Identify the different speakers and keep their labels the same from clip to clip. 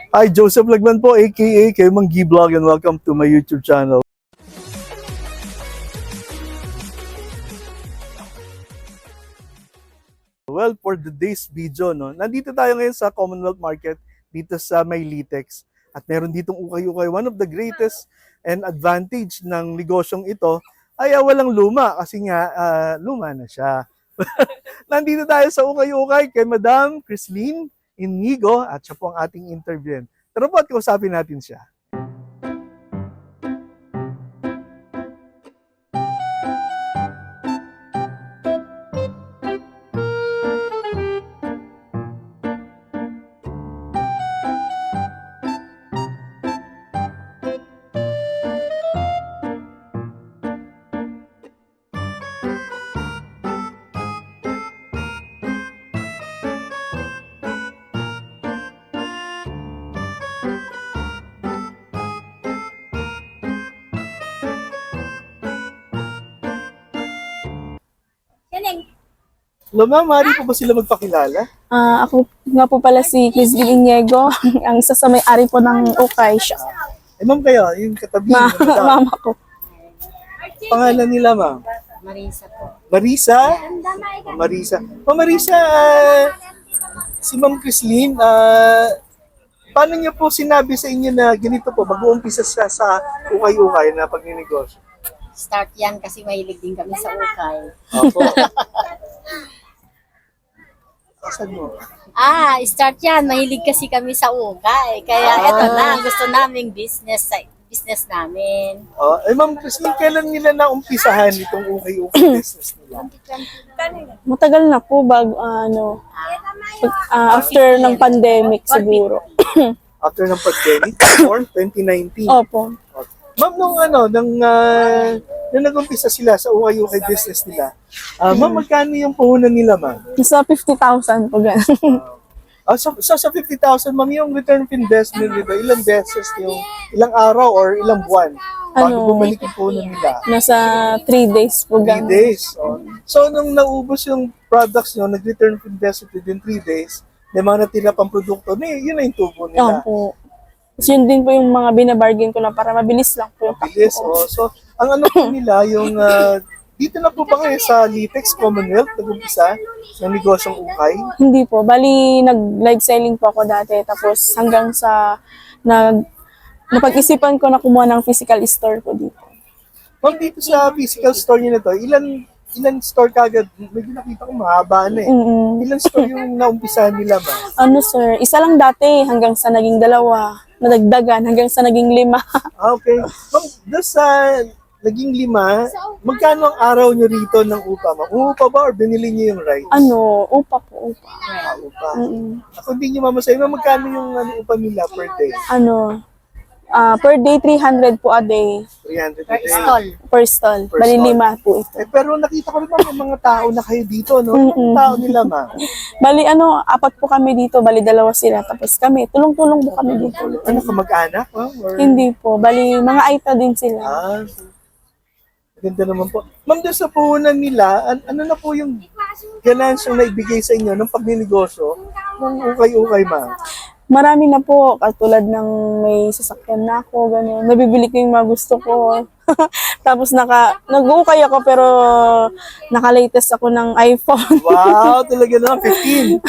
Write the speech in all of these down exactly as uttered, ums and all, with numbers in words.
Speaker 1: Hi, Joseph Lagman po, aka kayo Mang G Vlog, and welcome to my YouTube channel. Well, for today's video, no, nandito tayo ngayon sa Commonwealth Market, dito sa May Litex. At meron ditong ukay-ukay. One of the greatest and advantage ng negosyong ito ay uh, walang luma kasi nga uh, luma na siya. Nandito tayo sa ukay-ukay kay Madam Crislin Inigo at siya po ang ating interview. Tara po at kausapin natin siya. Hello ma'am, maaari po ba sila magpakilala?
Speaker 2: Ah, ako nga po pala si Crislin Inigo, ang isa sa may-ari po ng Ukay Shop.
Speaker 1: Eh ma'am kayo, yung katabi.
Speaker 2: Ma
Speaker 1: madam.
Speaker 2: mama ko.
Speaker 1: Pangalan nila ma'am?
Speaker 3: Marisa po.
Speaker 1: Marisa? Oh, Marisa. Oh, Marisa, uh, si Ma'am Crislin, uh, paano niyo po sinabi sa inyo na ganito po, mag-uumpisa siya sa ukay-ukay na pagninegosyo?
Speaker 3: Start yan kasi mahilig din kami sa ukay.
Speaker 1: Opo. Saan mo?
Speaker 3: Ah, start yan. Mahilig kasi kami sa ukay. Kaya
Speaker 1: Ah.
Speaker 3: eto na, gusto naming business sa business namin.
Speaker 1: Oh, eh Ma'am Crislin, kailan nila naumpisahan itong ukay-ukay business nila?
Speaker 2: Matagal na po bago ano pag- ah, after ng pandemic siguro.
Speaker 1: After ng pandemic, or twenty nineteen?
Speaker 2: Opo.
Speaker 1: Ma'am, nung ano, nung, uh, nung nag-umpisa sila sa ukay-ukay business nila, ah, ma'am, magkano yung puhunan nila, ma'am?
Speaker 2: Nasa fifty thousand po ganun.
Speaker 1: Ah, so, so sa fifty thousand, ma'am, yung return of investment nila, ilang beses yung, ilang araw or ilang buwan bago
Speaker 2: Ano?
Speaker 1: bumalik yung puhunan nila?
Speaker 2: Nasa three days po
Speaker 1: Three
Speaker 2: ganun.
Speaker 1: days. Oh. So, nung naubos yung products nyo, nag-return of investment within three days, may mga natira pang produkto, eh, yun na yung tubo nila.
Speaker 2: Opo. Tapos yun din po yung mga binabargain ko na para mabilis lang po yung takbo
Speaker 1: Bilis,
Speaker 2: ko.
Speaker 1: oh. So, ang ano po nila, yung, ah, dito na po ba kayo sa Litex Commonwealth, nag-umpisa ng negosyong ukay?
Speaker 2: Hindi po. Bali, nag-live selling po ako dati. Tapos hanggang sa nag napag-isipan ko na kumuha ng physical store po dito.
Speaker 1: Ma'am, dito sa physical store niyo na to, ilan ilan store kagad? Medyo nakita ko mahaba na eh.
Speaker 2: Mm-mm.
Speaker 1: Ilan store yung naumpisahan nila, ma'am?
Speaker 2: Ano sir, isa lang dati hanggang sa naging dalawa. Nadagdagan hanggang sa naging lima.
Speaker 1: Ah, okay. Ma'am, doon sa naging lima, magkano ang araw niyo rito ng upa, ma'am? Upa ba or binili niyo yung rights?
Speaker 2: ano, upa po, upa.
Speaker 1: Ah, upa.
Speaker 2: Mm-mm.
Speaker 1: Ako hindi niyo mamasahin, ma'am, magkano yung ano, upa nila per day?
Speaker 2: Ano, ah per day three hundred po a day.
Speaker 1: three hundred a
Speaker 3: Per
Speaker 1: day.
Speaker 3: stall.
Speaker 2: Per stall.
Speaker 1: Per
Speaker 2: Bali
Speaker 1: stall.
Speaker 2: lima po ito.
Speaker 1: Eh, pero nakita ko rin ma'am, yung mga tao na kayo dito, no?
Speaker 2: Mm-mm.
Speaker 1: Yung tao nila, ma'am.
Speaker 2: Bali ano, apat po kami dito, bali dalawa sila. Tapos kami, tulong-tulong po kami dito.
Speaker 1: Ano, kamag-anak, ma'am? Or...
Speaker 2: Hindi po, bali mga aita din sila.
Speaker 1: Ah, ganda naman po. Ma'am, doon sa puhunan nila, an- ano na po yung ganansyang naibigay sa inyo ng pagninegosyo ng ukay-ukay, ma'am?
Speaker 2: Marami na po, katulad ng may sasakyan na ako, gano'n. Nabibili ko yung mga gusto ko. Tapos naka, nag-ukay ako pero naka-latest ako ng iPhone.
Speaker 1: Wow, talaga naman, fifteen.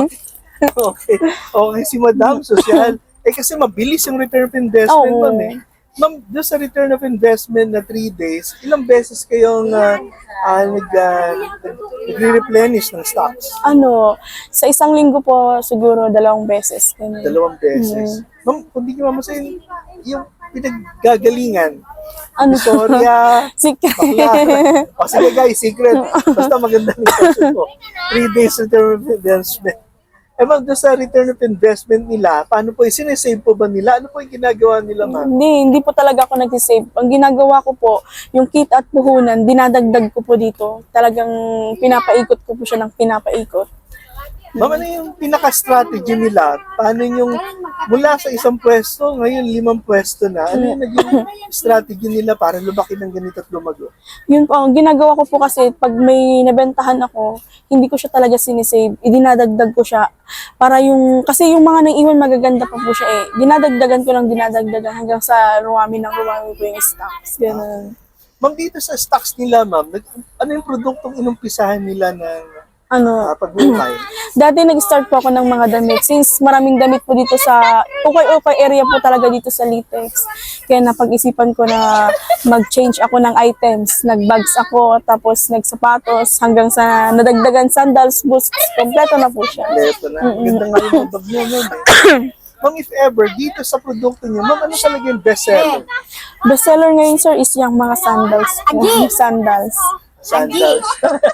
Speaker 1: Okay. Okay, si Madam, social. Eh, kasi mabilis yung return of investment,
Speaker 2: Oo.
Speaker 1: ma'am eh. Ma'am, doon sa return of investment na three days, ilang beses kayong uh, uh, nag, uh, nagre-replenish ng stocks?
Speaker 2: Ano, sa isang linggo po siguro dalawang beses. Ganun.
Speaker 1: Dalawang beses. Ma'am, kung di nyo mamasahin, yung pinaggagalingan,
Speaker 2: Ano,
Speaker 1: Victoria,
Speaker 2: secret.
Speaker 1: bakla. O sige guys, secret. Basta maganda ng question ko. Three days return of investment. Eh ma'am, doon sa return of investment nila, paano po, sinesave po ba nila? Ano po yung ginagawa nila, ma'am?
Speaker 2: Hindi, hindi po talaga ako nag-save. Ang ginagawa ko po, yung kit at puhunan, dinadagdag ko po dito. Talagang pinapaikot ko po siya ng pinapaikot.
Speaker 1: Ma'am, ano yung pinaka-strategy nila? Paano yung mula sa isang pwesto, ngayon limang pwesto na. Ano yung naging strategy nila para lumaki ng ganito at lumago?
Speaker 2: Yun po, ang ginagawa ko po kasi pag may nabentahan ako, hindi ko siya talaga sinisave, idinadagdag ko siya. Para yung, kasi yung mga nang-iwan magaganda pa po siya eh. Dinadagdagan ko lang dinadagdagan hanggang sa rumami ng rumami po yung stocks. Ganun.
Speaker 1: Ma'am, dito sa stocks nila, ma'am, nag- ano yung produktong inumpisahan nila ng
Speaker 2: Ano,
Speaker 1: uh, pag-ukay?
Speaker 2: dati nag-start po ako ng mga damit. Since maraming damit po dito sa, okay-okay area po talaga dito sa Litex. Kaya napag-isipan ko na mag-change ako ng items. Nag-bags ako, tapos nagsapatos, hanggang sa nadagdagan sandals, boots, kompleto na po siya.
Speaker 1: Leto na. Ganda nga yung bag nyo nun eh. Ma'am, if ever, dito sa produkto nyo, ma'am, ano talaga yung bestseller?
Speaker 2: Bestseller ngayon, sir, is yung mga sandals po. Sandals.
Speaker 1: Sandals.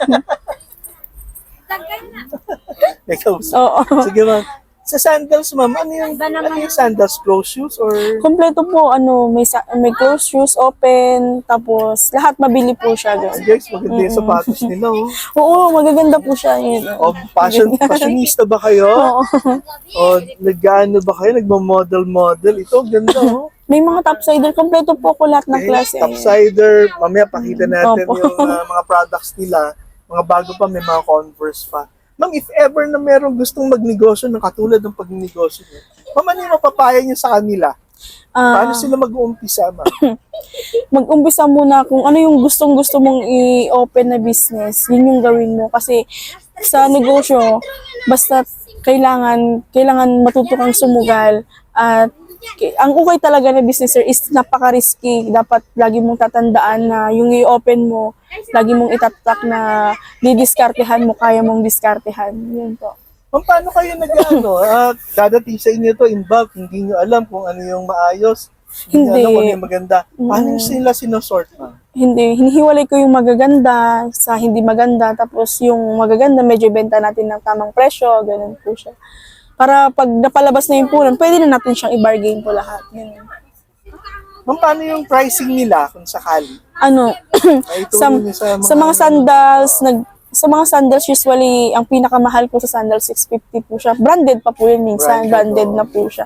Speaker 1: Ikaw,
Speaker 2: Oo.
Speaker 1: sige ma'am. Sa sandals, ma'am, ano yung, ano yung sandals? Closed shoes or...
Speaker 2: Kompleto po, ano, may, sa- may closed shoes, open, tapos lahat mabili po siya.
Speaker 1: Ay,
Speaker 2: Ganun.
Speaker 1: guys, maganda yung sapatos nila, oh.
Speaker 2: Oo, magaganda po siya. Yun.
Speaker 1: O, fashion, fashionista ba kayo?
Speaker 2: Oo.
Speaker 1: O, nag-ano ba kayo? Nagma-model-model? Ito, ganda, oh.
Speaker 2: May mga topsider, kompleto po ko lahat ng
Speaker 1: Okay,
Speaker 2: klase.
Speaker 1: Topsider, mamaya pakita natin
Speaker 2: Opo.
Speaker 1: yung uh, mga products nila. Mga bago pa, may mga Converse pa. Ma'am, if ever na merong gustong magnegosyo ng katulad ng pagnegosyo niyo, ma'am, ano yung mapapaya niyo sa kanila?
Speaker 2: Ah,
Speaker 1: Paano sila mag-uumpisa, ma'am?
Speaker 2: mag-umpisa muna kung ano yung gustong-gusto mong i-open na business, yun yung gawin mo. Kasi sa negosyo, basta kailangan, kailangan matuto kang sumugal at ki- ang ukay talaga na business sir is napaka-risky. Dapat lagi mong tatandaan na yung i-open mo, lagi mong itatak na didiskartehan mo, kaya mong diskartehan. Yun po.
Speaker 1: Ma'am, paano kayo nag-ano? Uh, dadating sa inyo to in bulk, hindi nyo alam kung ano yung maayos, hindi, nyo
Speaker 2: Hindi.
Speaker 1: alam kung ano yung maganda. Paano
Speaker 2: Mm.
Speaker 1: nyo sila sinosort, ma'am?
Speaker 2: Hindi, hinihiwalay ko yung magaganda sa hindi maganda, tapos yung magaganda medyo benta natin ng tamang presyo, ganun po siya. Para pag napalabas na yung punan, pwede na natin siyang i-bargain po lahat. Ganun.
Speaker 1: Ma'am, paano yung pricing nila kung sakali?
Speaker 2: Ano,
Speaker 1: Ay,
Speaker 2: sa,
Speaker 1: itulong niyo sa mga...
Speaker 2: sa mga sandals, nag, sa mga sandals usually, ang pinakamahal ko sa sandals, six fifty po siya. Branded pa po yun minsan,
Speaker 1: Branded,
Speaker 2: branded
Speaker 1: oo.
Speaker 2: na po siya.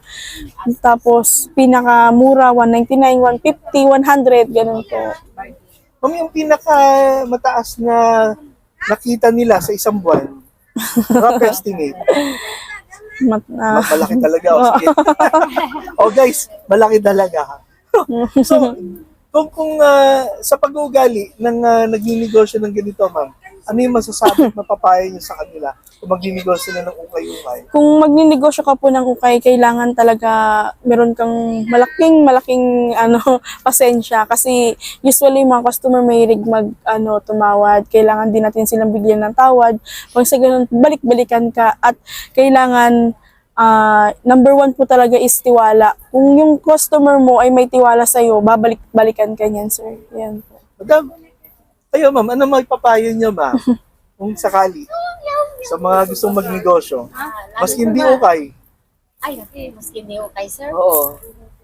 Speaker 2: Tapos, pinakamura, one ninety-nine, one fifty, one hundred, ganun po.
Speaker 1: Ma'am, yung pinaka mataas na nakita nila sa isang buwan, rough estimate.
Speaker 2: Mat, ah,
Speaker 1: Ma- malaki talaga. O, sige. O guys, malaki talaga. ha. So, kung, kung ah, sa pag-uugali ng uh, nagninegosyo ng ganito, ma'am, ano yung masasabi at mapapaya niyo sa kanila kung magninegosyo na ng ukay-ukay?
Speaker 2: kung magninegosyo ka po ng ukay, kailangan talaga meron kang malaking, malaking ano, pasensya. Kasi usually mga customer mahilig mag ano, tumawad. Kailangan din natin silang bigyan ng tawad. Pag sa ganun, balik-balikan ka. At kailangan, ah, number one po talaga is tiwala. Kung yung customer mo ay may tiwala sa'yo, babalik-balikan ka niyan, sir. Yan po.
Speaker 1: Madam, kayo ma'am, ano may papayo niyo, ma'am? Kung sakali, sa mga gustong magnegosyo, mas hindi ukay.
Speaker 3: Ay, maski hindi okay, sir.
Speaker 1: Oo.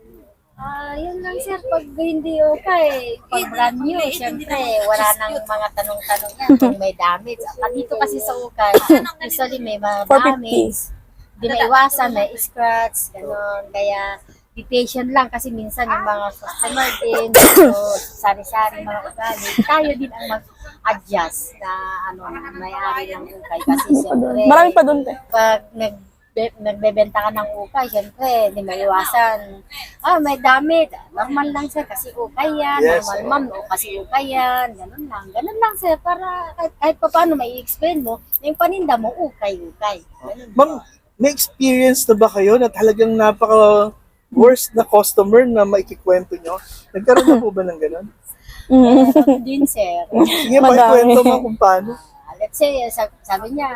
Speaker 3: Ah, yun lang, sir. Pag hindi okay, pag brand new, syempre, wala nang mga tanong-tanong yan kung may damage. Ah, dito kasi sa ukay, usually may mga
Speaker 2: four fifty.
Speaker 3: damage. Hindi na iwasan, may scratch, gano'n. Kaya, be patient lang kasi minsan yung mga customer din, so, sari-sari mga ugali, tayo din ang mag-adjust na ano, may-ari ng ukay. Kasi syempre,
Speaker 2: Marami pa doon, te.
Speaker 3: pag nag be- nagbebenta ka ng ukay, syempre, hindi maiwasan. Ah, may damit. Normal lang, sir, kasi ukay yan.
Speaker 1: Yes,
Speaker 3: Normal,
Speaker 1: sir.
Speaker 3: ma'am, o kasi ukay yan. Ganun lang. Ganun lang, sir, para kahit, kahit pa paano may explain mo, na yung paninda mo, ukay-ukay. Ganun.
Speaker 1: Ma'am, may experience na ba kayo na talagang napaka worst na customer na maikikwento nyo? Nagkaroon na po ba ng ganun?
Speaker 2: Mm.
Speaker 3: Meron din, sir.
Speaker 1: Sige,
Speaker 2: Madami.
Speaker 1: pakikwento mo kung paano.
Speaker 3: Ah, let's say, sabi, sabi niya,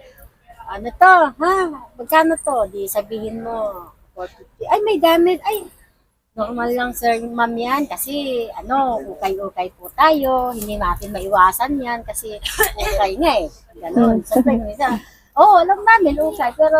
Speaker 3: ano to, ha? Magkano to? Di sabihin mo, four fifty. Ay, may damit. Ay, normal lang, sir, ma'am yan. Kasi, ano, ukay-ukay po tayo. Hindi natin maiwasan yan kasi ukay nga eh. Ganon. Siyempre, minsan, oo, oh, alam namin, ukay. Pero,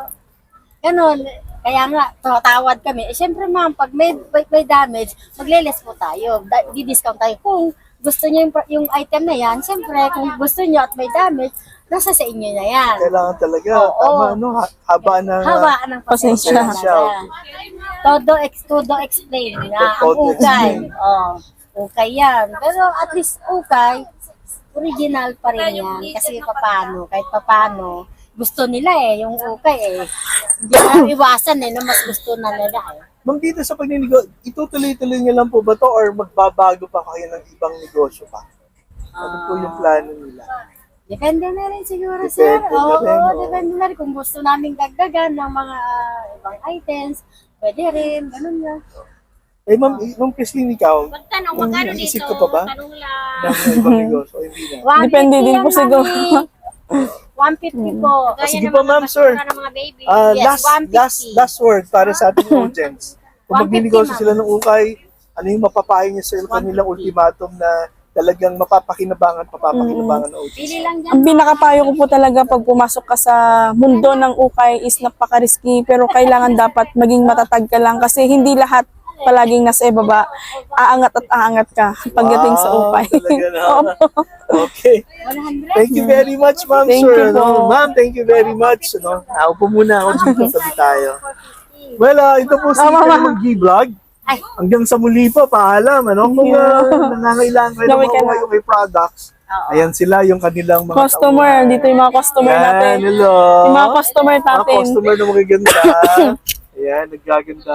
Speaker 3: ganon. Kaya nga, tatawad kami. Eh, syempre, ma'am, pag may, may, may damage, magle-less po tayo. Da- Di-discount tayo. Kung gusto niyo yung, yung item na yan, syempre, kung gusto niyo at may damage, nasa sa inyo na yan.
Speaker 1: Kailangan talaga,
Speaker 3: Oo.
Speaker 1: tama, no? Ha- Habaan ng...
Speaker 3: Hawaan ng pasensya.
Speaker 1: Pasensya.
Speaker 3: Todo, ex, todo explain na ang
Speaker 1: Todo
Speaker 3: ukay.
Speaker 1: explain.
Speaker 3: Oh, ukay yan. Pero at least ukay, original pa rin yan. Kasi papano, kahit papano, gusto nila eh, yung ukay eh. Hindi na iwasan eh, na mas gusto na nila eh.
Speaker 1: Ma'am, dito sa pagninigo, itutuloy-tuloy niyo lang po ba to or magbabago pa kayo ng ibang negosyo pa? Ano po yung plano nila?
Speaker 3: Depende na rin siguro,
Speaker 1: Depende
Speaker 3: sir.
Speaker 1: na
Speaker 3: Oo,
Speaker 1: rin, oo.
Speaker 3: depende na rin. Kung gusto namin dagdagan ng mga ah, ibang items, pwede rin, ganun lang.
Speaker 1: Eh, ma'am, eh, ma'am Christine, ikaw,
Speaker 4: Magtanong,
Speaker 1: kung
Speaker 4: magkano
Speaker 1: naisip
Speaker 4: dito?
Speaker 1: ka pa ba
Speaker 4: Tanong lang.
Speaker 1: ng ibang negosyo o hindi na?
Speaker 3: one
Speaker 2: Depende
Speaker 3: fifty
Speaker 2: din
Speaker 3: yan,
Speaker 2: po siguro.
Speaker 3: mami. one fifty po.
Speaker 1: Ah, sige po, ma'am, sir.
Speaker 4: Ng mga baby.
Speaker 1: Ah,
Speaker 3: Yes,
Speaker 1: last,
Speaker 3: one fifty.
Speaker 1: last, last word para sa ating audience. Kung
Speaker 3: one fifty,
Speaker 1: magbinegosyo
Speaker 3: ma'am.
Speaker 1: sila ng ukay, ano yung mapapayo niyo sa kanilang
Speaker 3: one fifty.
Speaker 1: ultimatum na talagang mapapakinabangan, papapakinabangan ng
Speaker 3: Pili
Speaker 1: audience?
Speaker 3: lang dyan.
Speaker 2: Ang pinakapayo ko po talaga pag pumasok ka sa mundo ng ukay is napaka-risky pero kailangan dapat maging matatag ka lang kasi hindi lahat palaging nasa ibaba. Aangat at aangat ka pagdating sa
Speaker 1: Wow,
Speaker 2: ukay.
Speaker 1: talaga na.
Speaker 2: Opo.
Speaker 1: Okay.
Speaker 3: one hundred.
Speaker 1: Thank you very much, ma'am,
Speaker 2: Thank
Speaker 1: sir.
Speaker 2: you
Speaker 1: Ano,
Speaker 2: po.
Speaker 1: ma'am, thank you very much. Ano, naupo muna ako dito, sabi tayo. Well, ah, ito po si
Speaker 2: Ah, mama.
Speaker 1: Kalimang G-Vlog.
Speaker 3: Ay,
Speaker 1: Hanggang sa muli po, paalam. Ano, kung uh, nangangailangan kayo ng
Speaker 2: Laway ka
Speaker 1: mga
Speaker 2: na.
Speaker 1: ukay ukay products,
Speaker 3: oo.
Speaker 1: ayan sila, yung kanilang mga
Speaker 2: Customer,
Speaker 1: tauhan.
Speaker 2: dito yung mga customer
Speaker 1: Yan,
Speaker 2: natin.
Speaker 1: hello.
Speaker 2: Yung mga customer
Speaker 1: Mga
Speaker 2: natin.
Speaker 1: customer na magaganda. Ayan, naggaganda.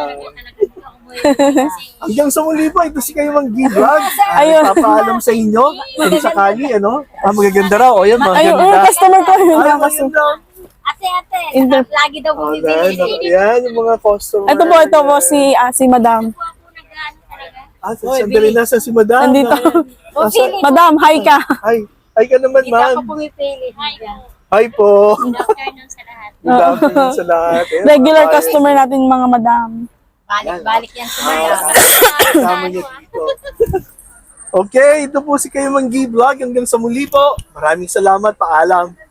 Speaker 1: Hanggang sa muli po, ito si Kalimang G-Vlog.
Speaker 2: Ayun.
Speaker 1: Papaalam sa inyo, kung sakali, ano, ah, magaganda raw. O yan,
Speaker 2: Ayun,
Speaker 1: magaganda.
Speaker 2: oh, customer ko. Yung
Speaker 1: Ay,
Speaker 2: mga customer.
Speaker 1: maganda.
Speaker 3: Ate, ate,
Speaker 2: Inter-
Speaker 3: lagi daw
Speaker 1: Oh,
Speaker 3: bumibili.
Speaker 1: yan, yung mga customer.
Speaker 2: Ito po, ito po si, ah, si Madam.
Speaker 1: Ah, sandali na sa si Madam.
Speaker 2: Nandito.
Speaker 3: Bumibili.
Speaker 2: Madam, hi ka.
Speaker 1: Ay, ay ka naman,
Speaker 3: Hindi ako
Speaker 1: ma'am.
Speaker 3: pumipili.
Speaker 1: Hi po.
Speaker 4: Good afternoon sa lahat.
Speaker 1: Good afternoon sa lahat. Ayan,
Speaker 2: Regular
Speaker 1: mga
Speaker 2: customer natin mga madam.
Speaker 3: Balik-balik yan sa
Speaker 1: Ah,
Speaker 3: mga.
Speaker 1: kasama niyo dito. Okay, ito po si Kayo Manggi Vlog. Hanggang sa muli po. Maraming salamat. Paalam.